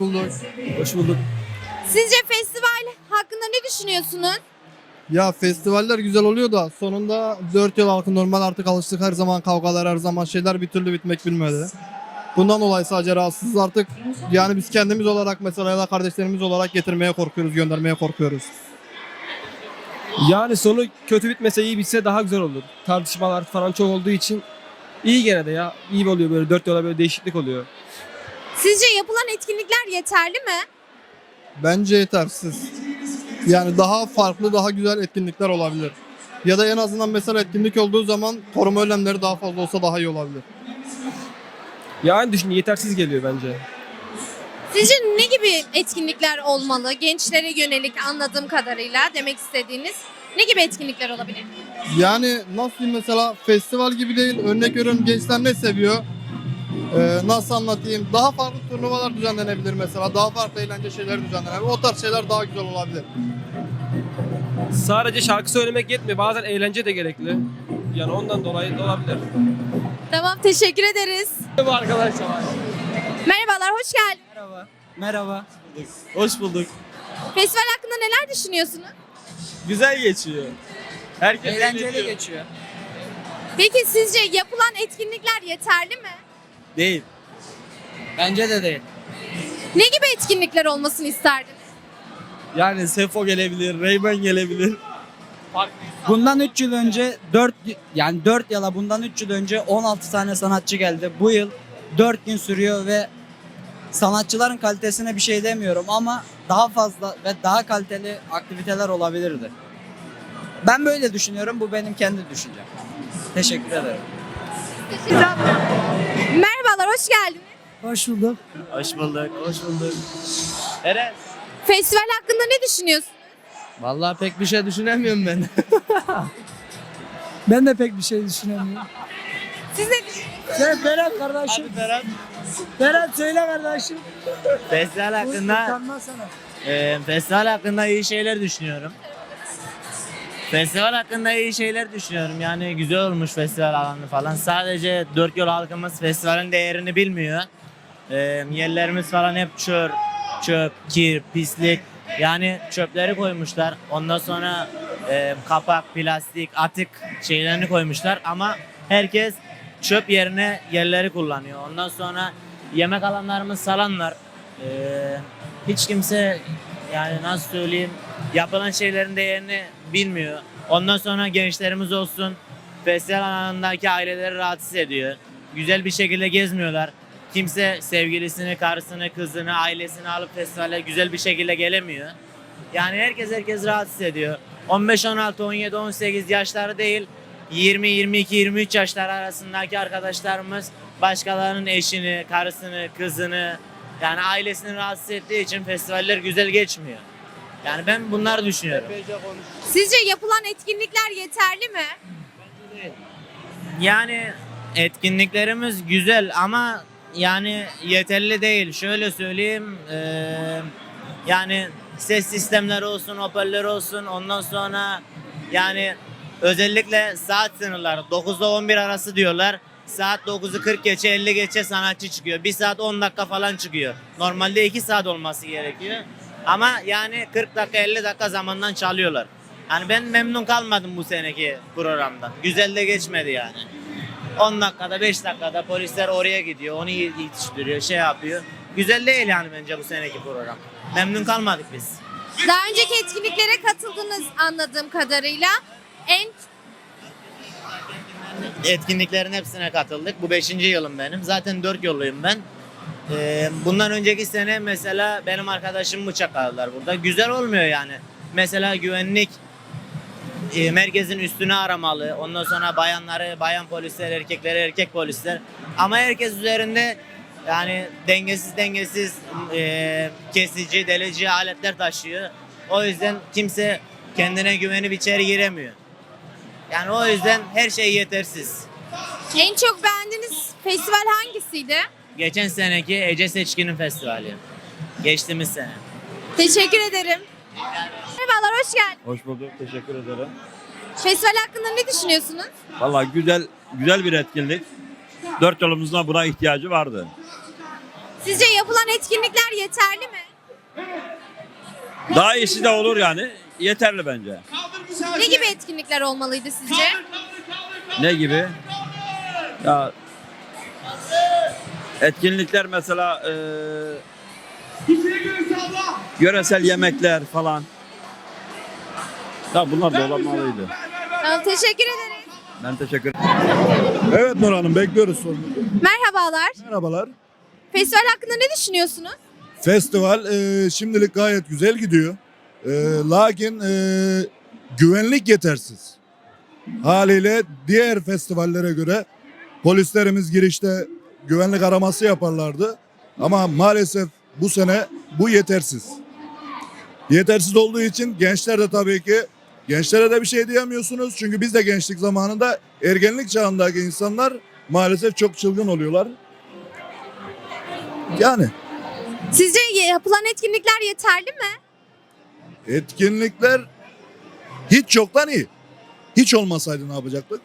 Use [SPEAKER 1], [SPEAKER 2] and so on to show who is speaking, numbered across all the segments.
[SPEAKER 1] Bulduk.
[SPEAKER 2] Hoş bulduk.
[SPEAKER 3] Sizce festival hakkında ne düşünüyorsunuz?
[SPEAKER 1] Ya festivaller güzel oluyor da sonunda 4 yıl halkı normal artık alıştık, her zaman kavgalar, her zaman şeyler bir türlü bitmek bilmedi. Bundan dolayı sadece rahatsızız artık. Yani biz kendimiz olarak mesela ya da kardeşlerimiz olarak getirmeye korkuyoruz, göndermeye korkuyoruz.
[SPEAKER 2] Yani sonu kötü bitmese iyi bitse daha güzel olur. Tartışmalar falan çok olduğu için iyi gene de ya. İyi oluyor böyle 4 yola böyle değişiklik oluyor.
[SPEAKER 3] Sizce yapılan etkinlikler yeterli mi?
[SPEAKER 1] Bence yetersiz. Yani daha farklı, daha güzel etkinlikler olabilir. Ya da en azından mesela etkinlik olduğu zaman koruma önlemleri daha fazla olsa daha iyi olabilir.
[SPEAKER 2] Yani düşün yetersiz geliyor bence.
[SPEAKER 3] Sizce ne gibi etkinlikler olmalı? Gençlere yönelik anladığım kadarıyla demek istediğiniz ne gibi etkinlikler olabilir?
[SPEAKER 1] Yani nasıl diyeyim, mesela festival gibi değil. Örnek veriyorum, gençler ne seviyor? Nasıl anlatayım? Daha farklı turnuvalar düzenlenebilir mesela. Daha farklı eğlence şeyler düzenlenebilir. O tarz şeyler daha güzel olabilir.
[SPEAKER 2] Sadece şarkı söylemek yetmiyor. Bazen eğlence de gerekli. Yani ondan dolayı da olabilir.
[SPEAKER 3] Tamam, teşekkür ederiz.
[SPEAKER 2] Bu arkadaşlar.
[SPEAKER 3] Merhabalar, hoş geldiniz.
[SPEAKER 4] Merhaba. Merhaba.
[SPEAKER 5] Hoş bulduk.
[SPEAKER 3] Festival hakkında neler düşünüyorsunuz?
[SPEAKER 5] Güzel geçiyor. Herkes
[SPEAKER 4] Eğlenceli
[SPEAKER 5] eğleniyor.
[SPEAKER 4] geçiyor.
[SPEAKER 3] Peki sizce yapılan etkinlikler yeterli mi?
[SPEAKER 5] Değil.
[SPEAKER 4] Bence de değil.
[SPEAKER 3] Ne gibi etkinlikler olmasını isterdiniz?
[SPEAKER 5] Yani Sefo gelebilir, Reymen gelebilir.
[SPEAKER 4] Bundan 3 yıl önce 4 yıla bundan 3 yıl önce 16 tane sanatçı geldi. Bu yıl 4 gün sürüyor ve sanatçıların kalitesine bir şey demiyorum ama daha fazla ve daha kaliteli aktiviteler olabilirdi. Ben böyle düşünüyorum. Bu benim kendi düşüncem. Teşekkür ederim.
[SPEAKER 3] Merhabalar, hoş geldiniz.
[SPEAKER 6] Hoş bulduk.
[SPEAKER 5] Hoş bulduk. Hoş bulduk. Eren.
[SPEAKER 3] Festival hakkında ne düşünüyorsunuz?
[SPEAKER 5] Vallahi pek bir şey düşünemiyorum ben.
[SPEAKER 6] Ben de pek bir şey düşünemiyorum.
[SPEAKER 3] Siz ne düşünüyorsunuz?
[SPEAKER 6] Sen Berat kardeşim.
[SPEAKER 5] Ferhat.
[SPEAKER 6] Berat söyle kardeşim.
[SPEAKER 5] Festival hakkında,
[SPEAKER 6] Utanmasana.
[SPEAKER 5] festival hakkında iyi şeyler düşünüyorum. Festival hakkında iyi şeyler düşünüyorum. Yani güzel olmuş festival alanı falan. Sadece dört yol halkımız festivalin değerini bilmiyor. Yerlerimiz falan hep çöp, kir, pislik. Yani çöpleri koymuşlar. Ondan sonra kapak, plastik, atık şeylerini koymuşlar. Ama herkes çöp yerine yerleri kullanıyor. Ondan sonra yemek alanlarımız salanlar. Hiç kimse, yani nasıl söyleyeyim, yapılan şeylerin değerini bilmiyor. Ondan sonra gençlerimiz olsun, festival alanındaki aileleri rahatsız ediyor. Güzel bir şekilde gezmiyorlar. Kimse sevgilisini, karısını, kızını, ailesini alıp festivale güzel bir şekilde gelemiyor. Yani herkes rahatsız ediyor. 15, 16, 17, 18 yaşları değil, 20, 22, 23 yaşlar arasındaki arkadaşlarımız başkalarının eşini, karısını, kızını, yani ailesini rahatsız ettiği için festivaller güzel geçmiyor. Yani ben bunları düşünüyorum.
[SPEAKER 3] Sizce yapılan etkinlikler yeterli mi?
[SPEAKER 5] Yani etkinliklerimiz güzel ama yani yeterli değil. Şöyle söyleyeyim, yani ses sistemleri olsun, hoparlör olsun, ondan sonra yani özellikle saat sınırları 9'da 11 arası diyorlar. Saat 9'u 40 geçe 50 geçe sanatçı çıkıyor. 1 saat 10 dakika falan çıkıyor. Normalde 2 saat olması gerekiyor. Ama yani 40 dakika 50 dakika zamandan çalıyorlar. Yani ben memnun kalmadım bu seneki programdan. Güzel de geçmedi yani. 10 dakikada 5 dakikada polisler oraya gidiyor. Onu yetiştiriyor, şey yapıyor. Güzel değil yani bence bu seneki program. Memnun kalmadık biz.
[SPEAKER 3] Daha önceki etkinliklere katıldınız anladığım kadarıyla. En
[SPEAKER 5] Etkinliklerin hepsine katıldık. Bu 5. yılım benim. Zaten 4 yolluyum ben. Bundan önceki sene mesela benim arkadaşım bıçak aldılar burada. Güzel olmuyor yani. Mesela güvenlik merkezin üstüne aramalı. Ondan sonra bayanları bayan polisler, erkekleri erkek polisler. Ama herkes üzerinde yani dengesiz kesici, delici aletler taşıyor. O yüzden kimse kendine güvenip içeri giremiyor. Yani o yüzden her şey yetersiz.
[SPEAKER 3] en çok beğendiğiniz festival hangisiydi?
[SPEAKER 5] Geçen seneki Ece Seçkin'in festivali. Geçtiğimiz sene.
[SPEAKER 3] Teşekkür ederim. Merhabalar, hoş geldiniz.
[SPEAKER 7] Hoş bulduk, teşekkür ederim.
[SPEAKER 3] Festival hakkında ne düşünüyorsunuz?
[SPEAKER 7] Vallahi güzel bir etkinlik. 4 yılımızda buna ihtiyacı vardı.
[SPEAKER 3] Sizce yapılan etkinlikler yeterli mi?
[SPEAKER 7] Daha iyisi de olur yani. Yeterli bence.
[SPEAKER 3] Ne gibi etkinlikler olmalıydı sizce?
[SPEAKER 7] Ne gibi? Ya etkinlikler mesela yöresel yemekler falan. Ya bunlar da olmalıydı.
[SPEAKER 3] Tamam, teşekkür ederiz.
[SPEAKER 7] Ben teşekkür ederim.
[SPEAKER 8] Evet Nur Hanım, bekliyoruz sorunu.
[SPEAKER 3] Merhabalar.
[SPEAKER 8] Merhabalar.
[SPEAKER 3] Festival hakkında ne düşünüyorsunuz?
[SPEAKER 8] Festival şimdilik gayet güzel gidiyor. Lakin güvenlik yetersiz. Haliyle diğer festivallere göre polislerimiz girişte güvenlik araması yaparlardı. Ama maalesef bu sene bu yetersiz. Yetersiz olduğu için gençler de tabii ki gençlere de bir şey diyemiyorsunuz. Çünkü biz de gençlik zamanında ergenlik çağındaki insanlar maalesef çok çılgın oluyorlar. Yani
[SPEAKER 3] Sizce yapılan etkinlikler yeterli mi?
[SPEAKER 8] etkinlikler hiç yoktan iyi. Hiç olmasaydı ne yapacaktık?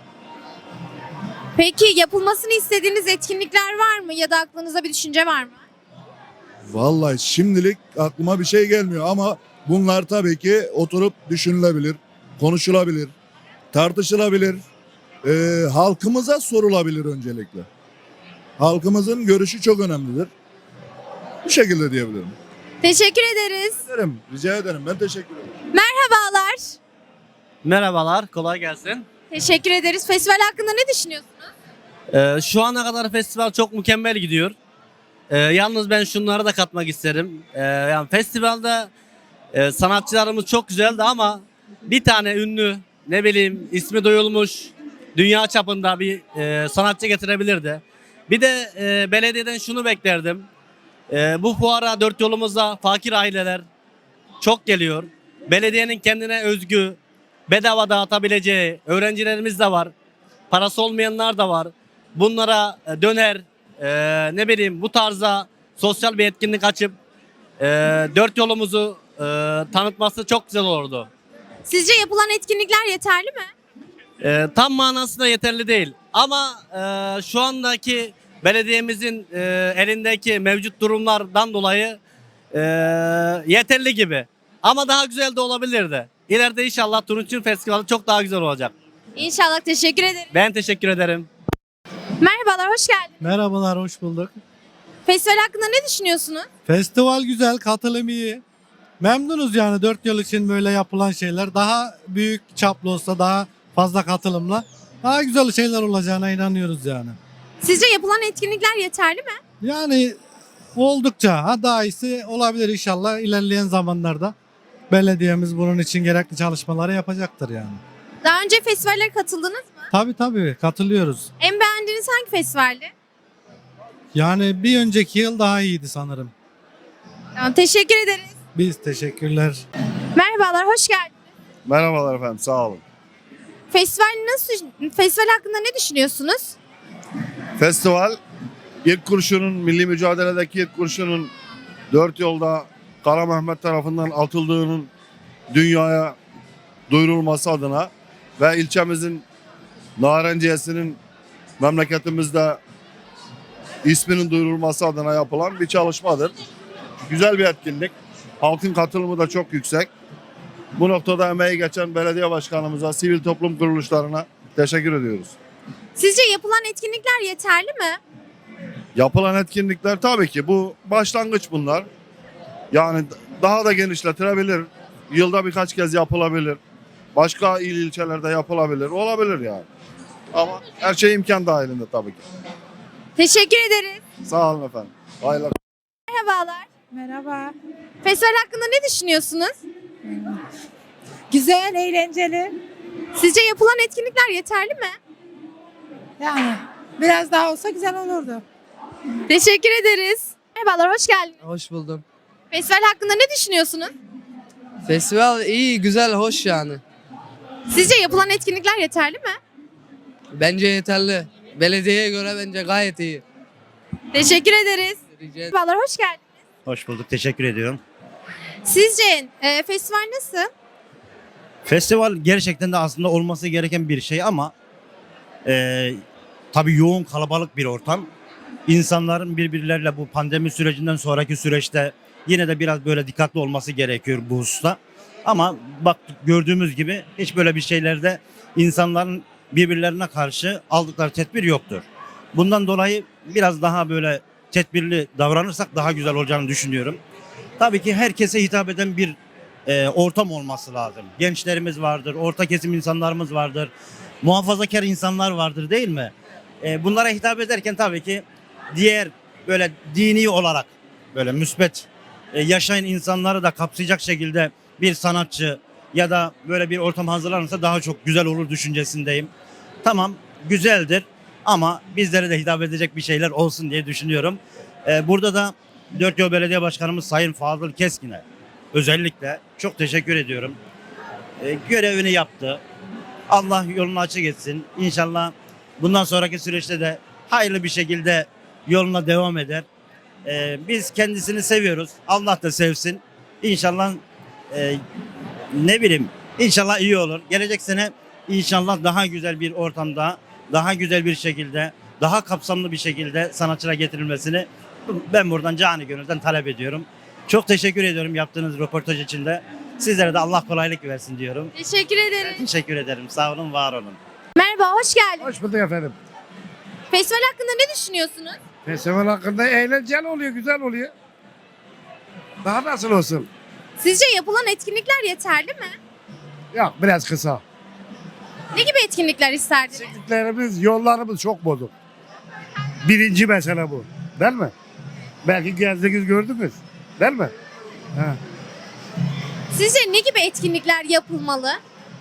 [SPEAKER 3] Peki yapılmasını istediğiniz etkinlikler var mı ya da aklınızda bir düşünce var mı?
[SPEAKER 8] Vallahi şimdilik aklıma bir şey gelmiyor ama bunlar tabii ki oturup düşünülebilir, konuşulabilir, tartışılabilir, halkımıza sorulabilir öncelikle. Halkımızın görüşü çok önemlidir. Bu şekilde diyebilirim.
[SPEAKER 3] Teşekkür ederiz.
[SPEAKER 8] Rica ederim. Ben teşekkür ederim.
[SPEAKER 3] Merhabalar.
[SPEAKER 9] Merhabalar, kolay gelsin.
[SPEAKER 3] Teşekkür ederiz. Festival hakkında ne düşünüyorsunuz?
[SPEAKER 9] Şu ana kadar festival çok mükemmel gidiyor. Yalnız ben şunları da katmak isterim. Yani festivalde sanatçılarımız çok güzeldi ama bir tane ünlü, ne bileyim ismi duyulmuş, dünya çapında bir sanatçı getirebilirdi. Bir de belediyeden şunu beklerdim. Bu fuara dört yolumuzda fakir aileler çok geliyor. Belediyenin kendine özgü, bedava dağıtabileceği öğrencilerimiz de var. Parası olmayanlar da var. Bunlara döner, ne bileyim bu tarzda sosyal bir etkinlik açıp dört yolumuzu tanıtması çok güzel olurdu.
[SPEAKER 3] Sizce yapılan etkinlikler yeterli mi?
[SPEAKER 9] Tam manasında yeterli değil. Ama şu andaki belediyemizin elindeki mevcut durumlardan dolayı yeterli gibi. Ama daha güzel de olabilirdi. İleride inşallah Turunçgil Festivali çok daha güzel olacak.
[SPEAKER 3] İnşallah, teşekkür ederim.
[SPEAKER 9] Ben teşekkür ederim.
[SPEAKER 3] Merhabalar, hoş geldiniz.
[SPEAKER 6] Merhabalar, hoş bulduk.
[SPEAKER 3] Festival hakkında ne düşünüyorsunuz?
[SPEAKER 6] Festival güzel, katılım iyi. Memnunuz yani 4 yıl için böyle yapılan şeyler. Daha büyük çaplı olsa, daha fazla katılımla daha güzel şeyler olacağına inanıyoruz yani.
[SPEAKER 3] Sizce yapılan etkinlikler yeterli mi?
[SPEAKER 6] Yani oldukça daha iyisi olabilir inşallah ilerleyen zamanlarda. Belediyemiz bunun için gerekli çalışmaları yapacaktır yani.
[SPEAKER 3] Daha önce festivallere katıldınız mı?
[SPEAKER 6] Tabii katılıyoruz.
[SPEAKER 3] En beğendiğiniz hangi festivaldi?
[SPEAKER 6] Yani bir önceki yıl daha iyiydi sanırım.
[SPEAKER 3] Tamam, teşekkür ederiz.
[SPEAKER 6] Biz teşekkürler.
[SPEAKER 3] Merhabalar, hoş geldiniz.
[SPEAKER 8] Merhabalar efendim. Sağ olun.
[SPEAKER 3] Festival hakkında ne düşünüyorsunuz?
[SPEAKER 8] Festival ilk kurşunun, milli mücadeledeki ilk kurşunun 4 yolda Kara Mehmet tarafından atıldığının dünyaya duyurulması adına ve ilçemizin Narenciyesi'nin memleketimizde isminin duyurulması adına yapılan bir çalışmadır. Güzel bir etkinlik. Halkın katılımı da çok yüksek. Bu noktada emeği geçen belediye başkanımıza, sivil toplum kuruluşlarına teşekkür ediyoruz.
[SPEAKER 3] Sizce yapılan etkinlikler yeterli mi?
[SPEAKER 8] Yapılan etkinlikler tabii ki bu başlangıç bunlar. Yani daha da genişletilebilir. Yılda birkaç kez yapılabilir. Başka il ilçelerde yapılabilir. Olabilir yani. Ama her şey imkan dahilinde tabii ki.
[SPEAKER 3] Teşekkür ederiz.
[SPEAKER 8] Sağ olun efendim. Hayırlı.
[SPEAKER 3] Merhabalar.
[SPEAKER 10] Merhaba.
[SPEAKER 3] Festival hakkında ne düşünüyorsunuz?
[SPEAKER 10] Güzel, eğlenceli.
[SPEAKER 3] Sizce yapılan etkinlikler yeterli mi?
[SPEAKER 10] Yani biraz daha olsa güzel olurdu.
[SPEAKER 3] Teşekkür ederiz. Merhabalar, hoş geldiniz.
[SPEAKER 11] Hoş buldum.
[SPEAKER 3] Festival hakkında ne düşünüyorsunuz?
[SPEAKER 11] Festival iyi, güzel, hoş yani.
[SPEAKER 3] Sizce yapılan etkinlikler yeterli mi?
[SPEAKER 11] Bence yeterli. Belediyeye göre bence gayet iyi.
[SPEAKER 3] Teşekkür ederiz.
[SPEAKER 11] Rica ederim.
[SPEAKER 3] Merhabalar, hoş geldiniz.
[SPEAKER 12] Hoş bulduk, teşekkür ediyorum.
[SPEAKER 3] Sizce festival nasıl?
[SPEAKER 12] Festival gerçekten de aslında olması gereken bir şey ama tabii yoğun kalabalık bir ortam. insanların birbirleriyle bu pandemi sürecinden sonraki süreçte yine de biraz böyle dikkatli olması gerekiyor bu hususta. Ama bak gördüğümüz gibi hiç böyle bir şeylerde insanların birbirlerine karşı aldıkları tedbir yoktur. Bundan dolayı biraz daha böyle tedbirli davranırsak daha güzel olacağını düşünüyorum. Tabii ki herkese hitap eden bir ortam olması lazım. Gençlerimiz vardır, orta kesim insanlarımız vardır, muhafazakar insanlar vardır değil mi? Bunlara hitap ederken tabii ki diğer böyle dini olarak böyle müsbet yaşayan insanları da kapsayacak şekilde bir sanatçı ya da böyle bir ortam hazırlanırsa daha çok güzel olur düşüncesindeyim. Tamam güzeldir ama bizlere de hitap edecek bir şeyler olsun diye düşünüyorum. Burada da Dörtyol Belediye Başkanımız Sayın Fadıl Keskin'e özellikle çok teşekkür ediyorum. Görevini yaptı. Allah yolunu açık etsin. İnşallah bundan sonraki süreçte de hayırlı bir şekilde yoluna devam eder. Biz kendisini seviyoruz. Allah da sevsin. İnşallah ne bileyim inşallah iyi olur. Gelecek sene inşallah daha güzel bir ortamda, daha güzel bir şekilde, daha kapsamlı bir şekilde sanatçılara getirilmesini ben buradan canı gönülden talep ediyorum. Çok teşekkür ediyorum yaptığınız röportaj için de. Sizlere de Allah kolaylık versin diyorum.
[SPEAKER 3] Teşekkür ederim.
[SPEAKER 12] Teşekkür ederim. Sağ olun, var olun.
[SPEAKER 3] Merhaba, hoş geldiniz.
[SPEAKER 6] Hoş bulduk efendim.
[SPEAKER 3] Festival hakkında ne düşünüyorsunuz?
[SPEAKER 6] Festival hakkında eğlenceli oluyor, güzel oluyor. Daha nasıl olsun?
[SPEAKER 3] Sizce yapılan etkinlikler yeterli mi?
[SPEAKER 6] Yok biraz kısa.
[SPEAKER 3] Ne gibi etkinlikler isterdiniz?
[SPEAKER 6] Eksikliklerimiz, yollarımız çok bozuk. Birinci mesele bu. Değil mi? Belki gezdiniz gördünüz. Değil mi? Ha.
[SPEAKER 3] Sizce ne gibi etkinlikler yapılmalı?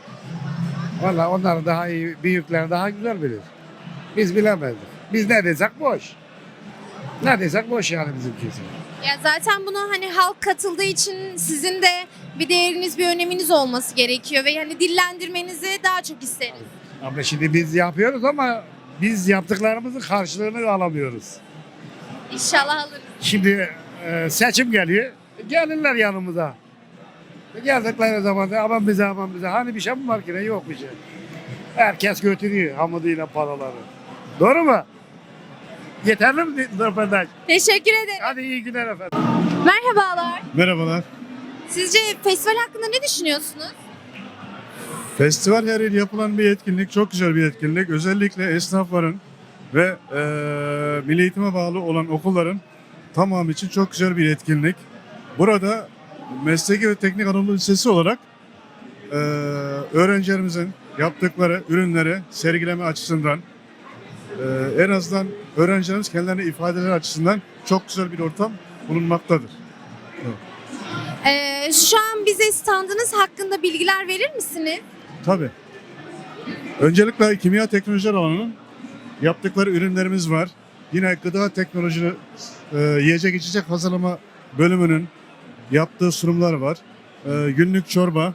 [SPEAKER 6] Valla onların daha iyi, büyükler daha güzel bilir. Biz bilemezdik. Biz ne desek boş. Ne desek boş yani bizimkisi.
[SPEAKER 3] Ya zaten bunu hani halk katıldığı için sizin de bir değeriniz, bir öneminiz olması gerekiyor ve yani dillendirmenizi daha çok isteriz.
[SPEAKER 6] Ama şimdi biz yapıyoruz ama biz yaptıklarımızın karşılığını alamıyoruz.
[SPEAKER 3] İnşallah alırız.
[SPEAKER 6] Şimdi seçim geliyor. Gelirler yanımıza. Geldikleri zaman da aman bize aman bize. Hani bir şey mi var ki ne yok bir şey. Herkes götürüyor hamuduyla paraları. Doğru mu? Yeterli mi röportaj?
[SPEAKER 3] Teşekkür ederim.
[SPEAKER 6] Hadi iyi günler efendim.
[SPEAKER 3] Merhabalar.
[SPEAKER 8] Merhabalar.
[SPEAKER 3] Sizce festival hakkında ne düşünüyorsunuz?
[SPEAKER 8] Festival her yıl yapılan bir etkinlik, çok güzel bir etkinlik. Özellikle esnafların ve milli eğitime bağlı olan okulların tamamı için çok güzel bir etkinlik. Burada Mesleki ve Teknik Anadolu Lisesi olarak öğrencilerimizin yaptıkları ürünleri sergileme açısından en azından öğrencilerimiz kendilerini ifadeleri açısından çok güzel bir ortam bulunmaktadır.
[SPEAKER 3] Şu an bize standınız hakkında bilgiler verir misiniz?
[SPEAKER 8] Tabii. Öncelikle kimya teknolojiler alanının yaptıkları ürünlerimiz var. Yine gıda teknoloji, yiyecek içecek hazırlama bölümünün yaptığı sunumlar var. Günlük çorba,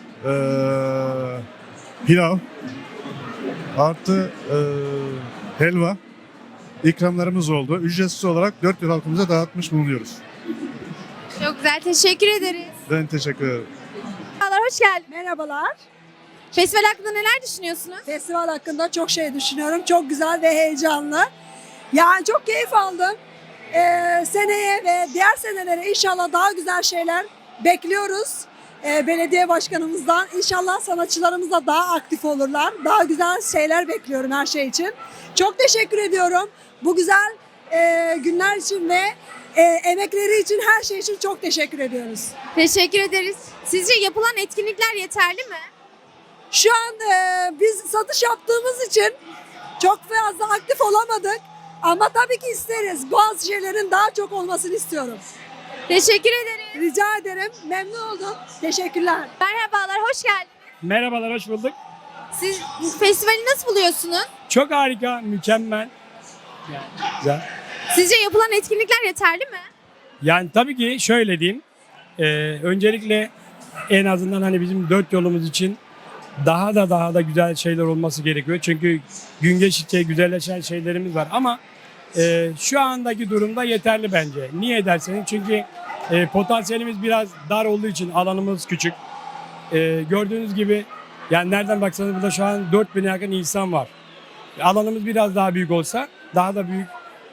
[SPEAKER 8] pilav, artı helva ikramlarımız oldu. Ücretsiz olarak 4 yıl halkımıza dağıtmış bulunuyoruz.
[SPEAKER 3] Çok güzel, teşekkür ederiz.
[SPEAKER 8] Ben teşekkür ederim.
[SPEAKER 3] Merhabalar, hoş geldiniz.
[SPEAKER 10] Merhabalar.
[SPEAKER 3] Festival hakkında neler düşünüyorsunuz?
[SPEAKER 10] Festival hakkında çok şey düşünüyorum. Çok güzel ve heyecanlı. Yani çok keyif aldım. Seneye ve diğer senelere inşallah daha güzel şeyler bekliyoruz. Belediye başkanımızdan. İnşallah sanatçılarımız da daha aktif olurlar. Daha güzel şeyler bekliyorum her şey için. Çok teşekkür ediyorum. Bu güzel günler için ve emekleri için, her şey için çok teşekkür ediyoruz.
[SPEAKER 3] Teşekkür ederiz. Sizce yapılan etkinlikler yeterli mi?
[SPEAKER 10] Şu an biz satış yaptığımız için çok fazla aktif olamadık. Ama tabii ki isteriz. Bazı şeylerin daha çok olmasını istiyorum.
[SPEAKER 3] Teşekkür ederim.
[SPEAKER 10] Rica ederim. Memnun oldum. Teşekkürler.
[SPEAKER 3] Merhabalar, hoş geldiniz.
[SPEAKER 2] Merhabalar, hoş bulduk.
[SPEAKER 3] Siz festivali nasıl buluyorsunuz?
[SPEAKER 2] Çok harika, mükemmel. Yani güzel.
[SPEAKER 3] Sizce yapılan etkinlikler yeterli mi?
[SPEAKER 2] Yani tabii ki şöyle diyeyim. Öncelikle en azından hani bizim 4 yolumuz için daha da güzel şeyler olması gerekiyor. Çünkü gün geçtikçe güzelleşen şeylerimiz var ama şu andaki durumda yeterli bence. Niye derseniz çünkü potansiyelimiz biraz dar olduğu için alanımız küçük. Gördüğünüz gibi yani nereden baksanız burada şu an 4000'e yakın insan var. Alanımız biraz daha büyük olsa daha da büyük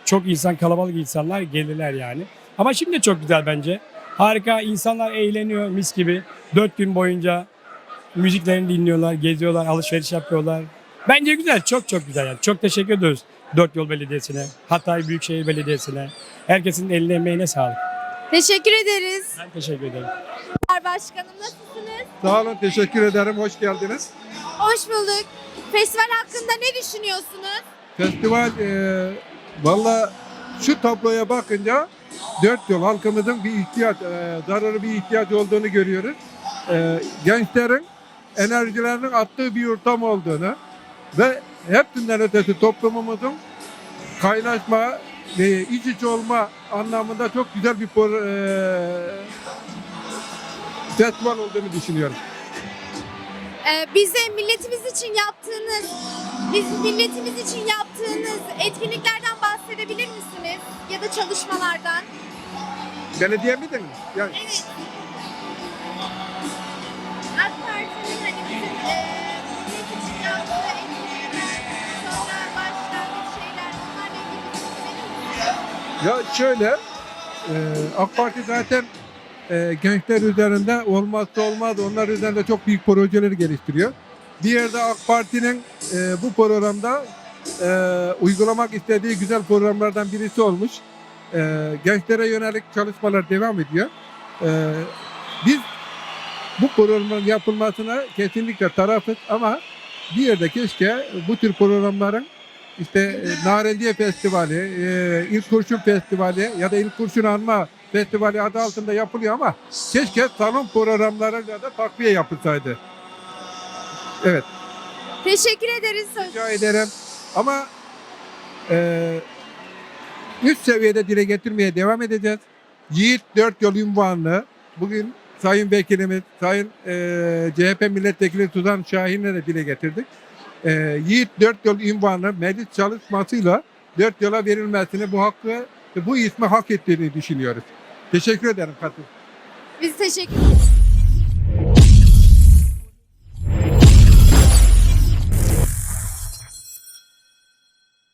[SPEAKER 2] çok insan, kalabalık insanlar gelirler yani. Ama şimdi çok güzel bence. Harika, insanlar eğleniyor mis gibi. 4 gün boyunca müziklerini dinliyorlar, geziyorlar, alışveriş yapıyorlar. Bence güzel, çok çok güzel yani. Çok teşekkür ediyoruz Dört Yol Belediyesi'ne, Hatay Büyükşehir Belediyesi'ne. Herkesin eline emeğine sağlık.
[SPEAKER 3] Teşekkür ederiz.
[SPEAKER 2] Ben teşekkür ederim.
[SPEAKER 3] Başkanım nasılsınız?
[SPEAKER 13] Sağ olun, teşekkür ederim. Hoş geldiniz.
[SPEAKER 3] Hoş bulduk. Festival hakkında ne düşünüyorsunuz?
[SPEAKER 13] Festival, valla şu tabloya bakınca Dört Yol halkımızın bir ihtiyaç, zararı bir ihtiyaç olduğunu görüyoruz. Gençlerin enerjilerinin attığı bir ortam olduğunu ve hepsinden ötesi toplumumuzun kaynaşma ve iç içe olma anlamında çok güzel bir festival olduğunu düşünüyorum.
[SPEAKER 3] Bize milletimiz için yaptığınız etkinliklerden bahsedebilir misiniz? Ya da çalışmalardan?
[SPEAKER 13] Belediye miydin? Yani
[SPEAKER 3] Evet. AK Parti'nin hani bizim millet için yaptığı etkinlikler, sonra başlangıç şeyler, onlarla ilgili bilgi verir misiniz?
[SPEAKER 13] ya şöyle, AK Parti zaten gençler üzerinde olmazsa olmaz, onlar üzerinde çok büyük projeler geliştiriyor. Bir yerde AK Parti'nin bu programda uygulamak istediği güzel programlardan birisi olmuş. Gençlere yönelik çalışmalar devam ediyor. Biz bu programın yapılmasına kesinlikle tarafız ama bir yerde keşke bu tür programların işte Narenciye Festivali, İlk Kurşun Festivali ya da İlk Kurşun Anma Festivali adı altında yapılıyor ama keşke salon programlarıyla da takviye yapılsaydı. Evet,
[SPEAKER 3] Teşekkür ederiz.
[SPEAKER 13] rica ederim. Ama üst seviyede dile getirmeye devam edeceğiz. Yiğit Dört Yol unvanını bugün Sayın Vekilimiz, Sayın CHP Milletvekili Suzan Şahin'le de dile getirdik. Yiğit Dört Yol unvanı meclis çalışmasıyla Dört Yol'a verilmesini, bu hakkı, bu ismi hak ettiğini düşünüyoruz. Teşekkür ederim katıl.
[SPEAKER 3] Biz teşekkür ederiz.